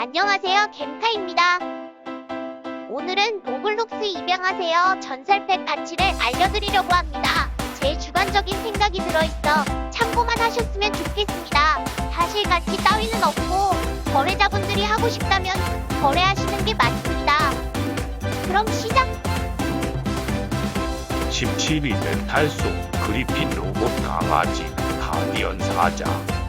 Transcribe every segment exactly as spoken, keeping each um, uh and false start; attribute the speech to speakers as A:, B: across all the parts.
A: 안녕하세요, 겜카입니다. 오늘은 로블록스 입양하세요 전설팩 가치를 알려드리려고 합니다. 제 주관적인 생각이 들어있어 참고만 하셨으면 좋겠습니다. 사실 가치 따위는 없고 거래자분들이 하고 싶다면 거래하시는 게 맞습니다. 그럼 시작!
B: 십칠 위는 달소 그리핀 로봇 강아지 가디언 사자.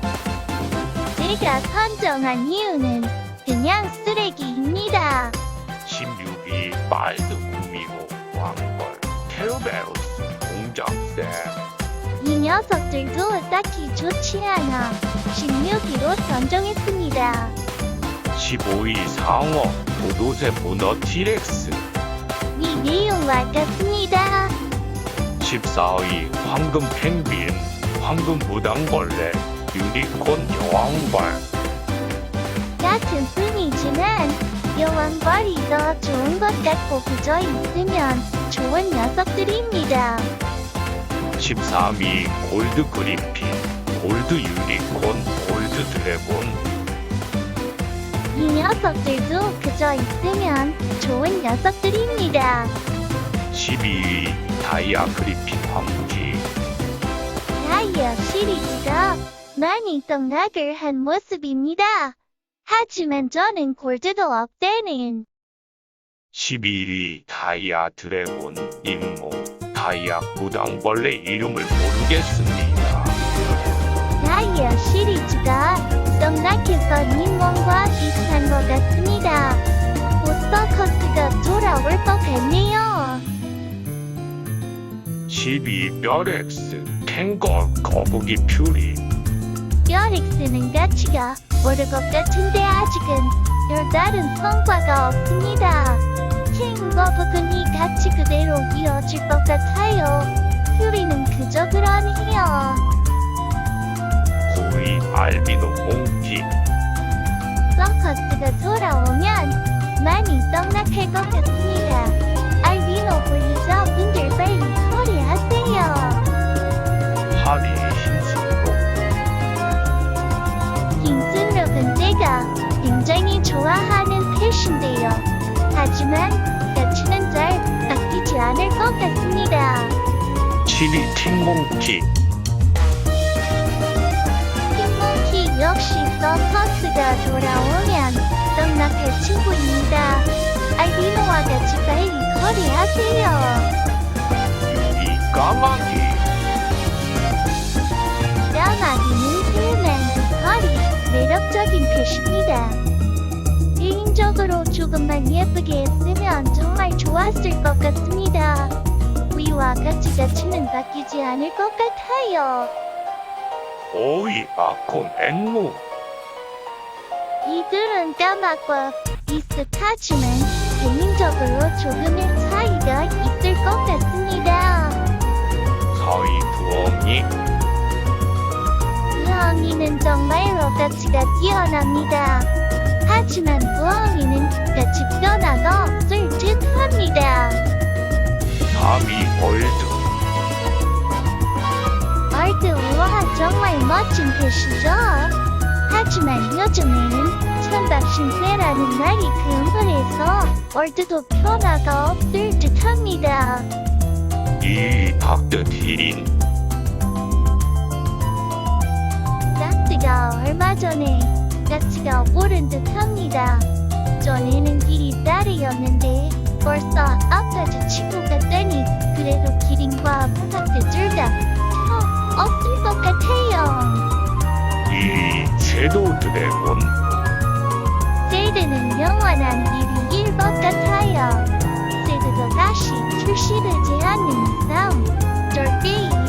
C: 제가 선정한 이유는 그냥 쓰레기입니다.
B: 십육 위 말드 구미호 왕벌 케르베로스 공작새.
C: 이 녀석들도 딱히 좋지 않아 십육 위로 선정했습니다.
B: 십오 위 상어 도도새 문어 티렉스.
C: 위 내용과 같습니다.
B: 십사 위 황금 펭귄 황금 무당벌레 유니콘 여왕벌.
C: 같은 뿐이지만 여왕벌이 더 좋은 것 같고 그저 있으면 좋은 녀석들입니다.
B: 십삼 위 골드 그리핀 골드 유니콘 골드 드래곤.
C: 이 녀석들도 그저 있으면 좋은 녀석들입니다.
B: 십이 위 다이아 그리핀 황기.
C: 다이아 시리즈가 많이 떡락을 한 모습입니다. 하지만 저는 골드도 없대는
B: 십일 위 다이아 드래곤 임모 다이아 무당벌레 이름을 모르겠습니다.
C: 다이아 시리즈가 떡락해서 님몬과 비슷한 것 같습니다. 보스커스가 돌아올 것 같네요.
B: 십이 위 뼈렉스 캥거 거북이 퓨리.
C: 뼈렉스는 가치가 오를 것 같은데 아직은 별다른 성과가 없습니다. 킹거북은 이 가치 그대로 이어질 것 같아요. 퓨리는 그저 그러네요.
B: 구 위 알비노 몽키.
C: 서커스가 돌아오면 많이 떡락할 것 같습니다. 알비노 블리저 분들 빨리 처리하세요.
B: 팔 위 흰수록.
C: 흰순록은 제가 굉장히 좋아하는 펫인데요. 하지만 가치는 잘 아끼지 않을 것 같습니다.
B: 칠 위 팅몽키.
C: 킹몽키 역시 서커스가 돌아오면 떡락할 친구입니다. 알비노와 같이 빨리 거래하세요.
B: 육 위 까마귀.
C: 까마귀는 힐맨, 허리, 매력적인 펫입니다. 개인적으로 조금만 예쁘게 했으면 정말 좋았을 것 같습니다. 위와 같이 가치는 바뀌지 않을 것 같아요.
B: 오 위 아콘 앵무.
C: 이들은 까마과 비슷하지만 개인적으로 조금의 차이가 있을 것 같습니다.
B: 사 위 부엉이.
C: 부엉이는 정말로 가치가 뛰어납니다. 하지만 부엉이는 가치 변화가 없을 듯합니다.
B: 사 위 월드.
C: 얼드우와 정말 멋진 펫이죠. 하지만 요즘에는 천박신세라는 말이 금물해서 월드도 변화가 없을 듯합니다.
B: 이 위 닥터 디린.
C: 닥트가 얼마 전에 가치가 오른 듯합니다. 전에는 길이 딸이었는데 벌써 아까지 치고 갔다니 그래도 기린과 닥트 둘다 없을 것 같아요.
B: 이 위 섀도우 드래곤.
C: 세드는 영원한 일위일 것 같아요. 세드도 다시 출시되지 않는 이상 절대